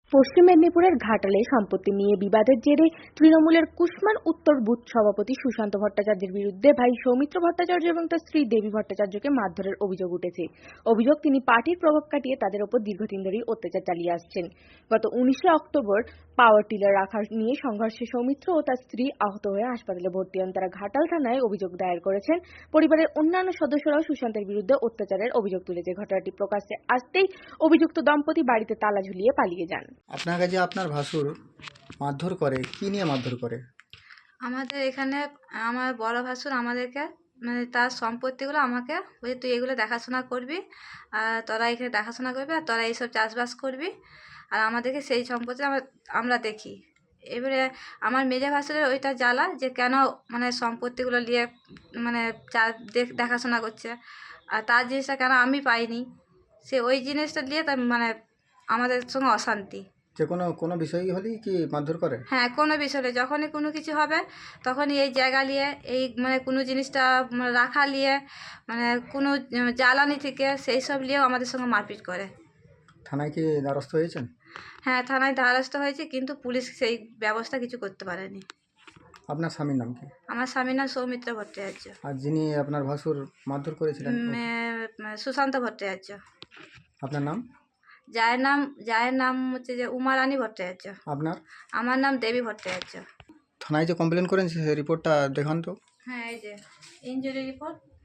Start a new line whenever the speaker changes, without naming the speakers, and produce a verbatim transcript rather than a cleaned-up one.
পশ্চিম মেদিনীপুরের ঘাটালে সম্পত্তি নিয়ে বিবাদের জেরে তৃণমূলের কুশমান উত্তর বুথ সভাপতি সুশান্ত ভট্টাচার্যের বিরুদ্ধে ভাই সৌমিত্র ভট্টাচার্য এবং তার স্ত্রী দেবী ভট্টাচার্যকে মারধরের অভিযোগ উঠেছে। অভিযোগ, তিনি পার্টির প্রভাব কাটিয়ে তাদের ওপর দীর্ঘদিন ধরেই অত্যাচার চালিয়ে আসছেন। গত উনিশে অক্টোবর পাওয়ার টিলার রাখা নিয়ে সংঘর্ষে সৌমিত্র ও তার স্ত্রী আহত হয়ে হাসপাতালে ভর্তি হন। তারা ঘাটাল থানায় অভিযোগ দায়ের করেছেন। পরিবারের অন্যান্য সদস্যরাও সুশান্তের বিরুদ্ধে অত্যাচারের অভিযোগ তুলেছে। ঘটনাটি প্রকাশ্যে আসতেই অভিযুক্ত দম্পতি বাড়িতে তালা ঝুলিয়ে পালিয়ে যান।
আপনার কাছে আপনার ভাসুর মারধর করে, কি নিয়ে মারধর করে?
আমাদের এখানে আমার বড় ভাসুর আমাদেরকে মানে তার সম্পত্তিগুলো আমাকে বলছে, তুই এগুলো দেখাশোনা করবি, আর তোরা এখানে দেখাশোনা করবি, আর তোরা এইসব চাষবাস করবি, আর আমাদেরকে সেই সম্পত্তি আমরা আমরা দেখি। এবারে আমার মেজে ভাসুরের ওইটা জ্বালা যে কেন মানে সম্পত্তিগুলো নিয়ে মানে চা দেখাশোনা করছে, আর তার জিনিসটা কেন আমি পাইনি, সে ওই জিনিসটা নিয়ে তার মানে আমাদের সঙ্গে অশান্তি।
যে কোনো কোনো বিষয়ই হলেই কি মারধর করে?
হ্যাঁ, কোনো বিষয়ে যখনই কোনো কিছু হবে তখনই এই জায়গা নিয়ে এই মানে কোনো জিনিসটা মানে রাখা নিয়ে মানে কোনো জ্বালানি থেকে সেই সব নিয়েও আমাদের সঙ্গে মারপিট করে।
থানায় কি দ্বারস্থ হয়েছেন?
হ্যাঁ, থানায় দ্বারস্থ হয়েছে, কিন্তু পুলিশ সেই ব্যবস্থা কিছু করতে পারেনি।
আপনার স্বামীর নাম কি?
আমার স্বামীর নাম সৌমিত্র ভট্টাচার্য।
আর যিনি আপনার ভাসুর মারধর করেছিলেন?
উম, এ, সুশান্ত ভট্টাচার্য।
আপনার নাম?
জায়ের নাম জায়ের নাম হচ্ছে যে উমারানী ভট্টাচার্য।
আপনার?
আমার নাম দেবী ভট্টাচার্য।
থানায় যে কমপ্লেন করেন সেই রিপোর্টটা দেখান তো।
হ্যাঁ, এই যে ইনজুরি রিপোর্ট।